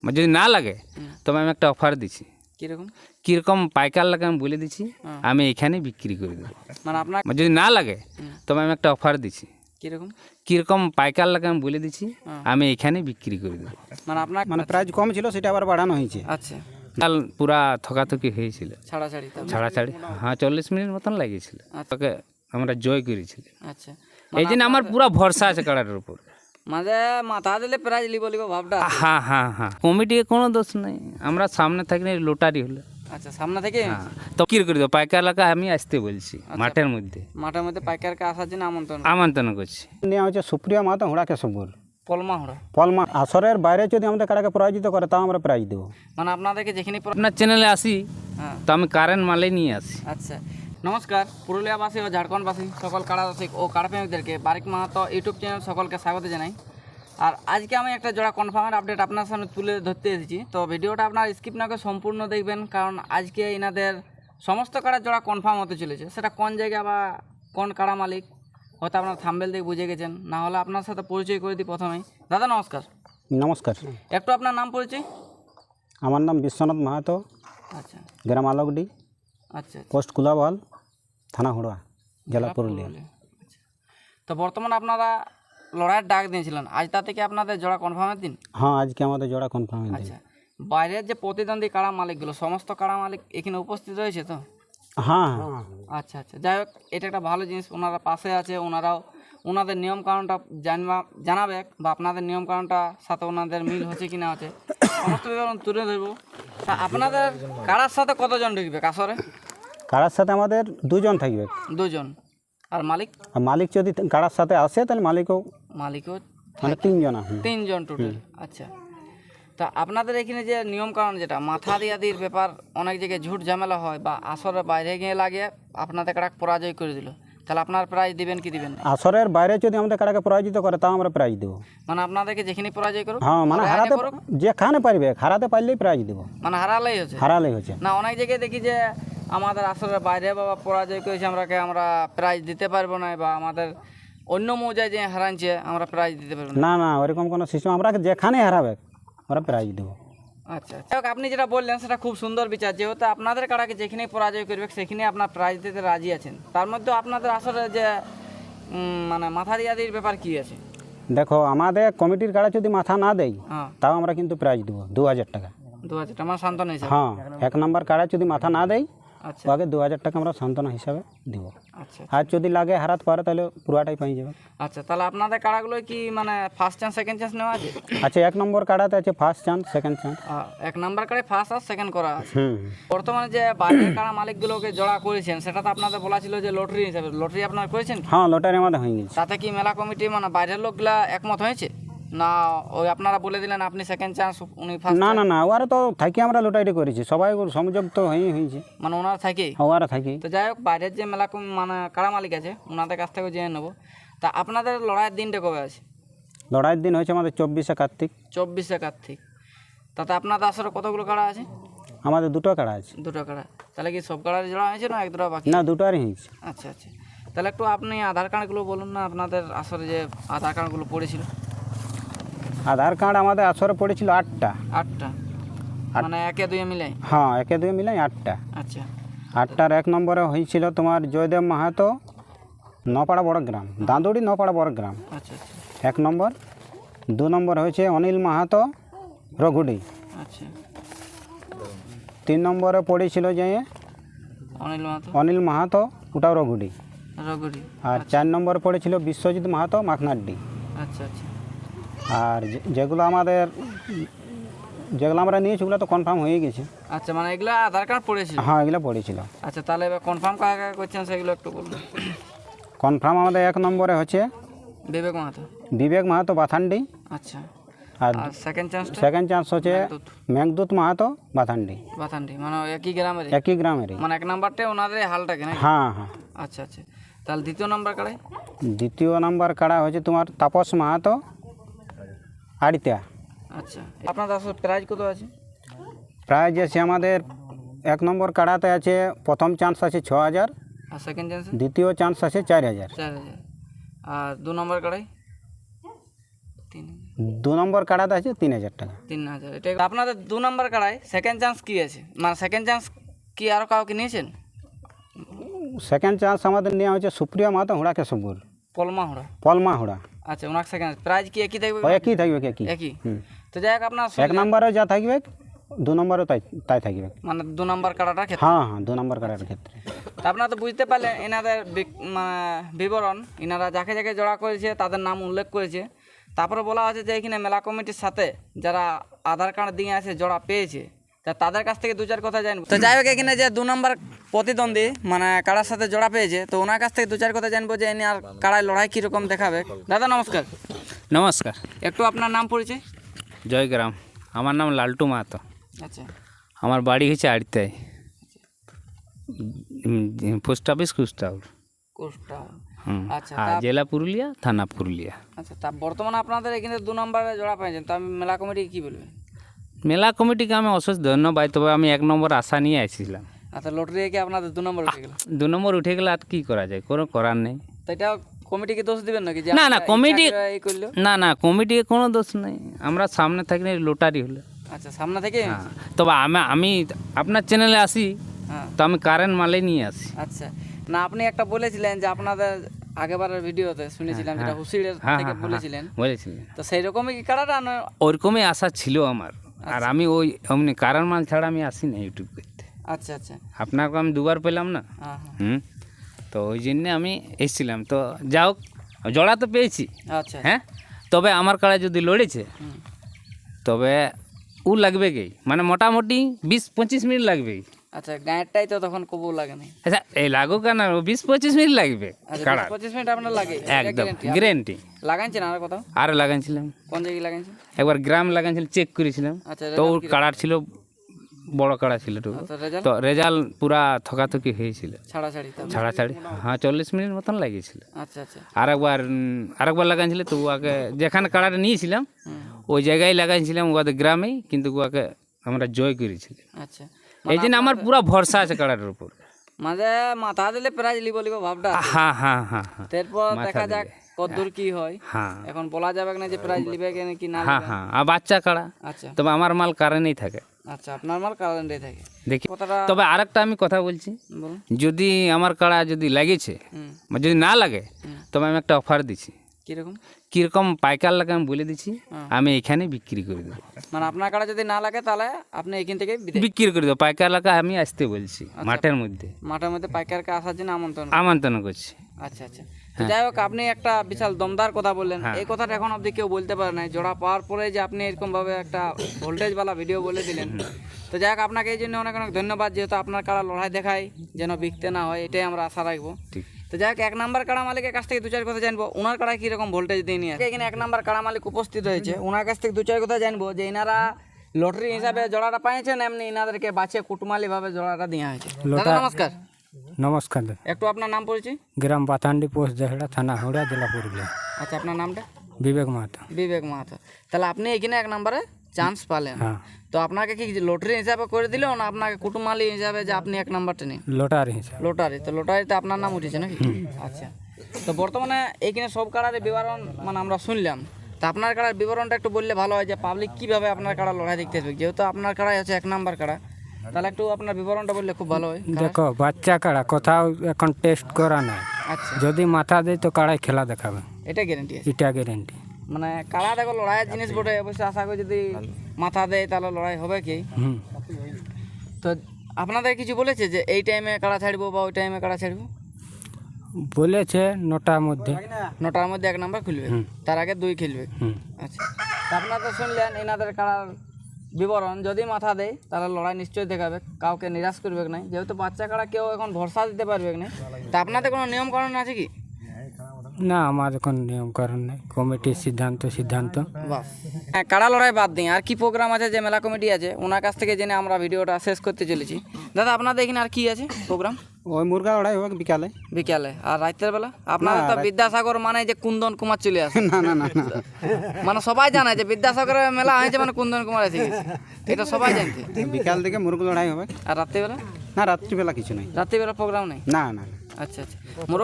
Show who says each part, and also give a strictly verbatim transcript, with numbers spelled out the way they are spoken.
Speaker 1: যদি না লাগে তবে আমি একটা অফার দিচ্ছি।
Speaker 2: কিরকম?
Speaker 1: কীরকম পাইকার লাগে আমি বলে দিচ্ছি, আমি এখানে বিক্রি করে দেবো।
Speaker 2: মানে আপনার
Speaker 1: যদি না লাগে তবে আমি একটা অফার দিচ্ছি।
Speaker 2: কিরকম?
Speaker 1: কীরকম পাইকার লাগে আমি বলে দিচ্ছি, আমি এখানে বিক্রি করে দেবো।
Speaker 2: মানে আপনার
Speaker 3: মানে প্রাইস কম ছিল সেটা আবার বাড়ানো হয়েছে।
Speaker 2: আচ্ছা,
Speaker 1: কাল পুরা থকাথকি হয়েছিল,
Speaker 2: ছাড়াছাড়ি তারপর?
Speaker 1: ছাড়াছাড়ি, হ্যাঁ চল্লিশ মিনিট মতন লাগিয়েছিল। তোকে আমরা জয় করেছিল।
Speaker 2: আচ্ছা,
Speaker 1: এই জন্য আমার পুরা ভরসা আছে কাড়াটার উপর।
Speaker 2: মানে মাথা দিলে প্রাইজ লিব লিব ভাবটা।
Speaker 1: হ্যাঁ হ্যাঁ হ্যাঁ, কমিটির কোনো দোষ নেই, আমরা সামনে থাকি না, লোটারি হলো।
Speaker 2: আচ্ছা, সামনে থেকে
Speaker 1: হ্যাঁ, তো কি করে দেবো, পাইকার এলাকা আমি আসতে বলছি মাঠের মধ্যে,
Speaker 2: মাঠের মধ্যে পাইকারকে আসার জন্য আমন্ত্রণ
Speaker 1: আমন্ত্রণ করছি।
Speaker 3: নেওয়া হচ্ছে সুপ্রিয়া মাহাতো হুড়া কেশবপুর
Speaker 2: পলমা হড়া।
Speaker 3: পলমা। আসরের বাইরে যদি আমাদের কাড়াকে পরাজিত করে তাও আমরা প্রাইজ দেবো।
Speaker 2: মানে আপনাদেরকে যেখানে পর-
Speaker 1: আপনার চ্যানেলে আসি
Speaker 2: হ্যাঁ,
Speaker 1: তো আমি কারেন্ট মালে নিয়ে আসি।
Speaker 2: আচ্ছা, নমস্কার পুরুলিয়াবাসী ও ঝাড়খণ্ডবাসী সকল কাড়া রসিক ও কাড়াপ্রেমিকদেরকে বারিক মাহাতো ইউটিউব চ্যানেল সকলকে স্বাগত জানাই। আর আজকে আমি একটা জোড়া কনফার্মের আপডেট আপনার সামনে তুলে ধরতে এসেছি। তো ভিডিওটা আপনার স্কিপ না করে সম্পূর্ণ দেখবেন, কারণ আজকে এনাদের সমস্ত কাড়ার জোড়া কনফার্ম হতে চলেছে। সেটা কোন জায়গা বা কোন কাড়া মালিক হয়তো আপনার থাম্বেল দিয়ে বুঝে গেছেন, না হলে আপনার সাথে পরিচয় করে দিই প্রথমেই। দাদা নমস্কার,
Speaker 3: নমস্কার,
Speaker 2: একটু আপনার নাম পরিচয়।
Speaker 3: আমার নাম বিশ্বনাথ মাহাতো,
Speaker 2: আচ্ছা
Speaker 3: গ্রাম আলোকডি,
Speaker 2: আচ্ছা আচ্ছা।
Speaker 3: পোস্ট কুলাবহাল, থানা হুড়া, জেলা পুরুলিয়া।
Speaker 2: আচ্ছা। তো বর্তমানে আপনারা লড়াইয়ের ডাক দিয়েছিলেন, আজ তা থেকে আপনাদের জোড়া কনফার্মের দিন।
Speaker 3: হ্যাঁ, আজকে আমাদের জোড়া কনফার্ম হয়েছে।
Speaker 2: আচ্ছা, বাইরের যে প্রতিদ্বন্দ্বী কাড়া মালিকগুলো সমস্ত কাড়া মালিক এখানে উপস্থিত রয়েছে তো?
Speaker 3: হ্যাঁ হ্যাঁ,
Speaker 2: আচ্ছা আচ্ছা, যাই হোক, এটা একটা ভালো জিনিস, ওনারা পাশে আছে, ওনারাও ওনাদের নিয়মকানুনটা জানবা জানাবে বা আপনাদের নিয়মকানুনটা সাথে ওনাদের মিল হচ্ছে কি না হচ্ছে সমস্ত বিবরণ তুলে ধরবো। তা আপনাদের কাড়ার সাথে কতজন ঢুকবে কাসরে?
Speaker 3: কাড়ার সাথে আমাদের দুজন থাকবে।
Speaker 2: দুজন। আর মালিক?
Speaker 3: আর মালিক যদি কাড়ার সাথে আসে তাহলে মালিকও
Speaker 2: মালিকও
Speaker 3: মানে তিনজন আছে।
Speaker 2: তিনজন টোটাল। আচ্ছা, তা আপনাদের এখানে যে নিয়মকানুন যেটা মাথা দিয়াদির ব্যাপার, অনেক জায়গায় ঝুট ঝামেলা হয় বা আসরের বাইরে গিয়ে লাগে আপনাদের কাড়া পরাজয় করে দিল, তাহলে আপনার প্রাইজ দিবেন কি দিবেন না?
Speaker 3: আসরের বাইরে যদি আমাদের কাড়াকে পরাজিত করে তাও আমরা প্রাইজ দেবো।
Speaker 2: মানে আপনাদেরকে যেখানে পরাজয় করুক,
Speaker 3: হ্যাঁ, মানে
Speaker 2: হারাইলে
Speaker 3: হারাতে
Speaker 2: করুক,
Speaker 3: যেখানে পারবে, হারাতে পারলেই প্রাইজ দেবো।
Speaker 2: মানে হারালেই হচ্ছে।
Speaker 3: হারালেই হচ্ছে।
Speaker 2: না, অনেক জায়গায় দেখি যে আমাদের আসরের বাইরে বাবা পরাজয় করেছে, আমরাকে আমরা প্রাইজ দিতে পারবো না, বা আমাদের অন্য মৌজায় যে হারাইছে আমরা প্রাইজ দিতে পারবো না।
Speaker 3: না না, ওরকম কোনো সিস্টেম, আমরা যেখানে হারাবে আমরা প্রাইজ দেবো।
Speaker 2: আচ্ছা আচ্ছা, যাই হোক, আপনি যেটা বললেন সেটা খুব সুন্দর বিচার, যেহেতু আপনাদের কাড়াকে যেখানেই পরাজয় করবে সেখানে আপনার প্রাইজ দিতে রাজি আছেন। তার মধ্যে আপনাদের আসলে যে উম, মানে মাথা দিয়াদির ব্যাপার কি আছে?
Speaker 3: দেখো, আমাদের কমিটির কাড়া যদি মাথা না দেয়
Speaker 2: হ্যাঁ,
Speaker 3: তাও আমরা কিন্তু প্রাইজ দেবো দু হাজার টাকা।
Speaker 2: দু হাজার টাকা মানে সান্ত্বনা হিসাবে?
Speaker 3: হ্যাঁ, এক নম্বর কাড়া যদি মাথা না দেয়
Speaker 2: আচ্ছা
Speaker 3: আগে দু হাজার টাকা আমরা সান্ত্বনা হিসাবে দেবো।
Speaker 2: আচ্ছা
Speaker 3: আর যদি লাগে হারাতে পারে তাহলে পুরাটাই পেয়ে যাবে।
Speaker 2: আচ্ছা, তাহলে আপনাদের কাড়াগুলো কি মানে ফার্স্ট চান্স সেকেন্ড চান্স নেওয়া আছে?
Speaker 3: আচ্ছা, এক নম্বর কাড়াতে আছে ফার্স্ট চান্স, সেকেন্ড চান্স।
Speaker 2: আহ, এক নাম্বার কাড়ে ফার্স্ট আর সেকেন্ড করা আছে।
Speaker 3: হুম,
Speaker 2: বর্তমানে যে বাইরের কাড়া মালিকগুলোকে জড়া করেছেন সেটা তো আপনাদের বলা ছিল যে লটারি হিসাবে, লটারি আপনারা করেছেন কি?
Speaker 3: হ্যাঁ, লটারি আমাদের হয়ে গেছে।
Speaker 2: তাতে কি মেলা কমিটি মানে বাইরের লোকগুলা একমত হয়েছে, না ওই আপনারা বলে দিলেন আপনি সেকেন্ড চান্স উনি ফার্স্ট?
Speaker 3: না না না, ওরা তো থাকি আমরা লটারি করেছি, সবাই ওর সংযোগ তো হয়েই হয়েছে,
Speaker 2: মানে ওনার থাকেই?
Speaker 3: ওরা থাকি।
Speaker 2: তো যাই হোক, বাইরের যে মেলা কম- মানে কাড়া মালিক আছে ওনাদের কাছ থেকেও জেনে নেবো। তা আপনাদের লড়াইয়ের দিনটা কবে আছে?
Speaker 3: লড়াইয়ের দিন হয়েছে আমাদের চব্বিশে কার্তিক।
Speaker 2: চব্বিশে কার্তিক। তাতে আপনাদের আসলে কতগুলো কাড়া আছে?
Speaker 3: আমাদের দুটো কাড়া আছে।
Speaker 2: দুটো কাড়া। তাহলে কি সব কাড়ার জোড়া হয়েছে না এক দুটো বাকি?
Speaker 3: না, দুটোরই হয়েছে।
Speaker 2: আচ্ছা আচ্ছা, তাহলে একটু আপনি আধার কার্ডগুলো বলুন না, আপনাদের আসলে যে আধার কার্ডগুলো পড়েছিল।
Speaker 3: আধার কার্ড আমাদের আসরে পড়েছিল আটটা।
Speaker 2: আটটা? মানে একে দুয়ে মিলাই?
Speaker 3: হ্যাঁ, একে দুই মিলাই আটটা।
Speaker 2: আচ্ছা
Speaker 3: আটটার এক নম্বরে হয়েছিল তোমার জয়দেব মাহাতো, নপাড়া বড় গ্রাম, দাঁদুড়ি নপাড়া বড় গ্রাম,
Speaker 2: আচ্ছা আচ্ছা
Speaker 3: এক নম্বর। দু নম্বর হয়েছে অনিল মাহাতো, রঘুডি।
Speaker 2: আচ্ছা।
Speaker 3: তিন নম্বরে পড়েছিল যে
Speaker 2: অনিল মাহাতো,
Speaker 3: অনিল মাহাতো, ওটাও রঘুডি।
Speaker 2: রঘুরি।
Speaker 3: আর চার নম্বর পড়েছিল বিশ্বজিৎ মাহাতো, মাখনাড্ডি।
Speaker 2: আচ্ছা আচ্ছা
Speaker 3: আর যে- যেগুলো আমাদের যেগুলো আমরা নিয়েছি ওগুলো তো কনফার্ম হয়ে গেছে।
Speaker 2: আচ্ছা, মানে এগুলো আধার কার্ড পড়েছিল?
Speaker 3: হ্যাঁ, এগুলো পড়েছিল।
Speaker 2: আচ্ছা, তাহলে এবার কনফার্ম কাকে কাকে করছেন সেগুলো একটু বলুন।
Speaker 3: কনফার্ম আমাদের এক নম্বরে হচ্ছে
Speaker 2: বিবেক মাহাতো।
Speaker 3: বিবেক মাহাতো, বাথান্ডি।
Speaker 2: আচ্ছা,
Speaker 3: আর
Speaker 2: আর সেকেন্ড চান্সটা?
Speaker 3: সেকেন্ড চান্স হচ্ছে
Speaker 2: মেঘদূত।
Speaker 3: মেঘদূত মাহাতো, বাথান্ডি।
Speaker 2: বাথানটি, মানে একই গ্রামের?
Speaker 3: একই গ্রামেরই।
Speaker 2: মানে এক নাম্বারটা ওনাদের হালটাকে নাকি?
Speaker 3: হ্যাঁ হ্যাঁ।
Speaker 2: আচ্ছা আচ্ছা, তাহলে দ্বিতীয় নাম্বার কাড়ে?
Speaker 3: দ্বিতীয় নাম্বার কাড়া হচ্ছে তোমার তাপস মাহাতো, আড়িতা।
Speaker 2: আচ্ছা, আপনাদের আসলে প্রাইজ কত আছে?
Speaker 3: প্রাইজ আছে আমাদের এক নম্বর কাড়াতে আছে প্রথম চান্স আছে ছ হাজার,
Speaker 2: আর সেকেন্ড চান্স?
Speaker 3: দ্বিতীয় চান্স আছে চার হাজার,
Speaker 2: চার হাজার। আর দু নম্বর কাড়াই? তিন
Speaker 3: দু নম্বর কাড়াতে আছে তিন হাজার টাকা।
Speaker 2: তিন হাজার এটা আপনাদের দু নম্বর কাড়ায় সেকেন্ড চান্স কি আছে, মানে সেকেন্ড চান্স কি আরও কাউকে নিয়েছেন?
Speaker 3: সেকেন্ড চান্স আমাদের নেওয়া হয়েছে সুপ্রিয়া মাহাতো হুড়া কেশবপুর,
Speaker 2: পলমা হোড়া।
Speaker 3: পলমা হুড়া।
Speaker 2: আচ্ছা, ওনার সেকেন্ড প্রাইজ কি একই থাকবে?
Speaker 3: ও একই থাকবে একই।
Speaker 2: একই।
Speaker 3: হুম।
Speaker 2: তো যাই হোক আপনার
Speaker 3: এক নম্বরে যা থাকবে দু নম্বরে তাই তাই থাকবে।
Speaker 2: মানে দু নম্বর কাড়াটার ক্ষেত্রে।
Speaker 3: হ্যাঁ হ্যাঁ দু নম্বর কাড়ার ক্ষেত্রে।
Speaker 2: তা আপনারা তো বুঝতে পারলেন এনাদের বিক- মানে বিবরণ, এনারা যাকে যাকে জোড়া করেছে তাদের নাম উল্লেখ করেছে। তারপরে বলা আছে যে এখানে মেলা কমিটির সাথে যারা আধার কার্ড দিয়ে আছে জোড়া পেয়েছে, তা তাদের কাছ থেকে দু চার কথা জানবো। তো যাই হোক এখানে যে দু নম্বর প্রতিদ্বন্দ্বী মানে কাড়ার সাথে জোড়া পেয়েছে, তো ওনার কাছ থেকে দু চার কথা জানবো যে এনে আর কাড়ায় লড়াই কীরকম দেখাবে। দাদা নমস্কার,
Speaker 1: নমস্কার।
Speaker 2: একটু আপনার নাম পরিচয়।
Speaker 1: জয়গ্রাম। আমার নাম লালটু মাহাতো।
Speaker 2: আচ্ছা
Speaker 1: আমার বাড়ি হচ্ছে আড়িতায়, পোস্ট অফিস কুষ্টাউর।
Speaker 2: কোষ্টা।
Speaker 1: হুম।
Speaker 2: আচ্ছা
Speaker 1: আর
Speaker 2: তা-
Speaker 1: জেলা পুরুলিয়া, থানা পুরুলিয়া।
Speaker 2: আচ্ছা তা বর্তমানে আপনাদের এখানে দু নম্বরে জোড়া পেয়েছেন, তো আমি মেলা কমিটি কী বলবেন?
Speaker 1: মেলা কমিটিকে আমি অশেষ ধন্যবাদ, তবে আমি এক নম্বর আশা নিয়ে আসছিলাম।
Speaker 2: আচ্ছা লটারি কি আপনাদের দু নম্বর উঠে গেল?
Speaker 1: দু নম্বর উঠে গেলে আর কী করা যায়, কোনো করার নেই।
Speaker 2: তো এটা কমিটিকে দোষ দিবেন নাকি যে
Speaker 1: না, না,
Speaker 2: আপনারা
Speaker 1: কমিটি-
Speaker 2: ইচ্ছা করে এই করলো?
Speaker 1: না না, কমিটির কোনো দোষ নেই, আমরা সামনে থাকি না, লোটারি হলো।
Speaker 2: আচ্ছা সামনে থেকে।
Speaker 1: হ্যাঁ, তবে আমি আমি আপনার চ্যানেলে আসি,
Speaker 2: হ্যাঁ
Speaker 1: তো আমি কারেন্ট মালে নিয়ে আসি।
Speaker 2: আচ্ছা, না আপনি একটা বলেছিলেন যে আপনাদের আগেবারের ভিডিওতে শুনেছিলাম যেটা হুসিড়ের
Speaker 1: হ্যাঁ
Speaker 2: থেকে
Speaker 1: হ্যাঁ হ্যাঁ,
Speaker 2: বলেছিলেন,
Speaker 1: বলেছিলেন।
Speaker 2: তো সেই রকমই কি কাটাটা না?
Speaker 1: ওরকমই আশা ছিল আমার। আর আমি ওই অমনি কারণ মাল ছাড়া আমি আসি না ইউটিউব করতে।
Speaker 2: আচ্ছা আচ্ছা।
Speaker 1: আপনাকে আমি দুবার পেলাম না।
Speaker 2: হ্যাঁ হ্যাঁ
Speaker 1: হুম। তো ওই জন্যে আমি এসেছিলাম, তো যাও জড়া তো পেয়েছি।
Speaker 2: আচ্ছা
Speaker 1: হ্যাঁ, তবে আমার কাড়া যদি লড়েছে
Speaker 2: হুম।
Speaker 1: তবে ও লাগবে কি, মানে মোটামুটি বিশ পঁচিশ মিনিট লাগবে।
Speaker 2: আচ্ছা গাঁয়েরটাই তো তখন কবু লাগে না।
Speaker 1: আচ্ছা এই লাগুক না, ও বিশ পঁচিশ মিনিট লাগবে
Speaker 2: আচ্ছা
Speaker 1: কাড়া,
Speaker 2: বিশ পঁচিশ মিনিট আপনার লাগে?
Speaker 1: একদম গ্যারেন্টি।
Speaker 2: লাগাইছেন আর কোথাও?
Speaker 1: আর লাগাইছিলাম
Speaker 2: কোন জায়গায় লাগাইছেন?
Speaker 1: একবার গ্রাম লাগাইছিলাম, চেক করেছিলাম।
Speaker 2: আচ্ছা
Speaker 1: তো ওর কাড়ার ছিল, বড় কাড়া ছিল টুকু।
Speaker 2: আচ্ছা রেজাল্ট
Speaker 1: তো রেজাল্ট পুরা থকাথকি হয়েছিল,
Speaker 2: ছাড়াছাড়ি তো।
Speaker 1: ছাড়াছাড়ি। হ্যাঁ চল্লিশ মিনিট মতন লাগিয়েছিল।
Speaker 2: আচ্ছা আচ্ছা
Speaker 1: আরেকবার উম, আরেকবার লাগাইছিল, তো ওকে যেখানে কাড়াটা নিয়েছিলাম
Speaker 2: হুম।
Speaker 1: ওই জায়গায় লাগাইছিলাম ওদের গ্রামেই, কিন্তু ওকে আমরা জয় করেছিলাম।
Speaker 2: আচ্ছা
Speaker 1: এই জন্য আমার পুরা ভরসা আছে কাড়াটার উপর।
Speaker 2: মাঝে মাথা দিলে প্রাইজ লিব লিব ভাবটা আছে।
Speaker 1: হ্যাঁ হ্যাঁ হ্যাঁ হ্যাঁ
Speaker 2: তারপর
Speaker 1: মাথা
Speaker 2: দেখা যাক
Speaker 1: দিলে।
Speaker 2: কতদূর কি হয়।
Speaker 1: হ্যাঁ
Speaker 2: এখন বলা যাবে না যে প্রাইজ লিবে কেন কি না
Speaker 1: হ্যাঁ
Speaker 2: লিবে।
Speaker 1: হ্যাঁ, আর বাচ্চা কাড়া,
Speaker 2: আচ্ছা
Speaker 1: তবে আমার মাল কারেন্টেই থাকে।
Speaker 2: আচ্ছা আপনার মাল কারেন্টে থাকে।
Speaker 1: দেখি,
Speaker 2: কথাটা
Speaker 1: তবে আরেকটা আমি কথা বলছি,
Speaker 2: বলুন।
Speaker 1: যদি আমার কাড়া যদি লাগেছে
Speaker 2: হুম
Speaker 1: বা যদি না লাগে,
Speaker 2: হুম।
Speaker 1: তবে আমি একটা অফার দিছি।
Speaker 2: কিরকম?
Speaker 1: কীরকম পাইকার লাগে আমি বলে দিচ্ছি,
Speaker 2: হ্যাঁ।
Speaker 1: আমি এখানে বিক্রি করে দেবো।
Speaker 2: মানে আপনার কাটা যদি না লাগে তাহলে আপনি এখান থেকে বিদে-
Speaker 1: বিক্রি করে দেবো, পাইকার লাগা আমি আসতে বলছি মাঠের মধ্যে,
Speaker 2: মাঠের মধ্যে পাইকারকে আসার জন্য আমন্ত্রণ।
Speaker 1: আমন্ত্রণ করছি।
Speaker 2: আচ্ছা আচ্ছা। তো যাই হোক আপনি একটা বিশাল দমদার কথা বললেন, এই কথাটা এখন অবধি কেউ বলতে পারে না। জোড়া পাওয়ার পরে যে আপনি এরকম ভাবে একটা ভোল্টেজওয়ালা ভিডিও বলে দিলেন, তো যাই হোক আপনাকে এই জন্য অনেক অনেক ধন্যবাদ, যেহেতু আপনার কাড়া লড়াই দেখায় যেন বিকতে না হয়, এটাই আমরা আশা রাখবো।
Speaker 1: ঠিক।
Speaker 2: তো যাই হোক এক নাম্বার কাড়া মালিকের কাছ থেকে দু চার কথা জানবো, ওনার কাড়ায় কীরকম ভোল্টেজ দিয়ে নিয়ে আসে। এখানে এক নাম্বার কাড়া মালিক উপস্থিত হয়েছে, ওনার কাছ থেকে দু চার কথা জানবো যে এনারা লটারি হিসাবে জোড়াটা পাইছেন, এমনি এনাদেরকে বাঁচিয়ে কুটুমালি ভাবে জোড়াটা দেওয়া হয়েছে। দাদা নমস্কার,
Speaker 3: নমস্কার।
Speaker 2: একটু আপনার নাম পরিচয়।
Speaker 3: গ্রাম পাথান্ডি, পোস্ট জহড়া, থানা হুড়া, জেলা পুরুলিয়া।
Speaker 2: আচ্ছা আপনার নামটা?
Speaker 3: বিবেক মাহাতো।
Speaker 2: বিবেক মাহাতো। তাহলে আপনি এখানে এক নম্বরে চান্স পালেন,
Speaker 3: হ্যাঁ।
Speaker 2: তো আপনাকে কি লটারি হিসাবে করে দিল না আপনাকে কুটুমালি হিসাবে যে আপনি এক নাম্বারটা নিন?
Speaker 3: লটারি হিসাবে।
Speaker 2: লটারি, তো লটারিতে আপনার নাম উঠেছে নাকি? আচ্ছা, তো বর্তমানে এইখানে সব কাড়ার বিবরণ মানে আমরা শুনলাম, তো আপনার কাড়ার বিবরণটা একটু বললে ভালো হয়, যে পাবলিক কীভাবে আপনার কাড়া লড়াই দেখতে আসবে, যেহেতু আপনার কাড়াই হচ্ছে এক নাম্বার কাড়া, তাহলে একটু আপনার বিবরণটা বললে খুব ভালো হয়।
Speaker 3: দেখো বাচ্চা কাড়া কোথাও এখন টেস্ট করা নাই,
Speaker 2: আচ্ছা
Speaker 3: যদি মাথা দেয় তো কাড়াই খেলা দেখাবে,
Speaker 2: এটা গ্যারেন্টি আছে।
Speaker 3: এটা গ্যারেন্টি।
Speaker 2: মানে কাড়া দেখো লড়াইয়ের জিনিস বটে, অবশ্যই আশা করি যদি মাথা দেয় তাহলে লড়াই হবে কি।
Speaker 3: হুম।
Speaker 2: তো আপনাদের কিছু বলেছে যে এই টাইমে কাড়া ছাড়বো বা ওই টাইমে কাড়া ছাড়বো?
Speaker 3: বলেছে নটার মধ্যে।
Speaker 2: নটার মধ্যে এক নাম্বার খুলবে, তার আগে দুই খেলবে।
Speaker 3: হুম।
Speaker 2: আচ্ছা, তা আপনারা তো শুনলেন এনাদের কাড়ার বিবরণ, যদি মাথা দেয় তাহলে লড়াই নিশ্চয়ই দেখাবে, কাউকে নিরাশ করবে না, যেহেতু বাচ্চা কাড়া কেউ এখন ভরসা দিতে পারবে না। তা আপনাদের কোনো নিয়ম কানুন আছে কি?
Speaker 3: না, আমাদের কোনো নিয়মকরণ নেই, কমিটির সিদ্ধান্ত সিদ্ধান্ত
Speaker 2: বাস। হ্যাঁ, কাড়া লড়াই বাদ দিই আর কি প্রোগ্রাম আছে, যে মেলা কমিটি আছে ওনার কাছ থেকে জেনে আমরা ভিডিওটা শেষ করতে চলেছি। দাদা আপনাদের এখানে আর কি আছে প্রোগ্রাম?
Speaker 3: ওই মুরগা লড়াই হবে বিকালে।
Speaker 2: বিকালে আর রাতের বেলা আপনাদের তো বিদ্যাসাগর মানে যে কুন্দন কুমার চলে আসে।
Speaker 3: না না না না,
Speaker 2: মানে সবাই জানে যে বিদ্যাসাগরের মেলা হয়েছে মানে কুন্দন কুমার এসে গেছে, এটা সবাই জানতে।
Speaker 3: বিকাল থেকে মুরগা লড়াই হবে।
Speaker 2: আর রাত্রিবেলা?
Speaker 3: না, রাত্রিবেলা কিছু নেই।
Speaker 2: রাত্রিবেলা প্রোগ্রাম নেই?
Speaker 3: না না।
Speaker 2: আচ্ছা আচ্ছা।